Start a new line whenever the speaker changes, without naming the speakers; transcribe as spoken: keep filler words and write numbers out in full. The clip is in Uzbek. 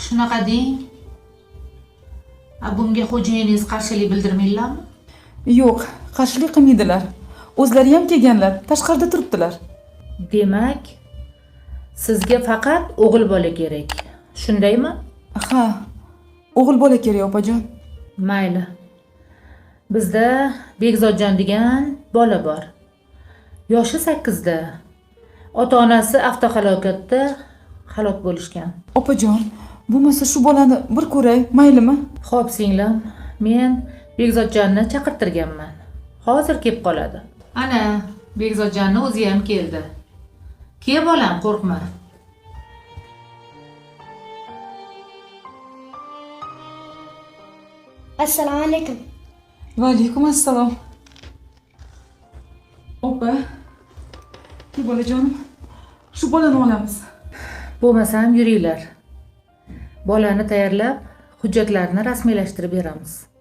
Shunaqa deng. A bunga xo'jayiningiz qarshilik bildirmaylarmi?
Yo'q, qarshilik qilmaydilar. O'zlari ham kelganlar, tashqarida turibdilar.
Demak, sizga faqat o'g'il bola kerak. Shundaymi?
Ha, o'g'il bola kerak opajon.
Mayli. Bizda Bekzodjon degan bola bor. Yoshi sakkizda. Ota-onasi avtohalokatda halok bo'lishgan.
Opajon, bo'lmasa shu bolani bir ko'ray, maylimi?
Xo'p, singlim, men Bekzodjonni chaqirtirganman. Hozir kelib qoladi. Ana, Bekzodjonni o'zi ham keldi. Kel bolam, qo'rqma.
Assalomu alaykum.
Va alaykum assalom. Opa, bu bolajonim, shu bolani olamiz.
Bo'lmasam yuringlar. Bolani tayyorlab, hujjatlarni rasmiylashtirib beramiz.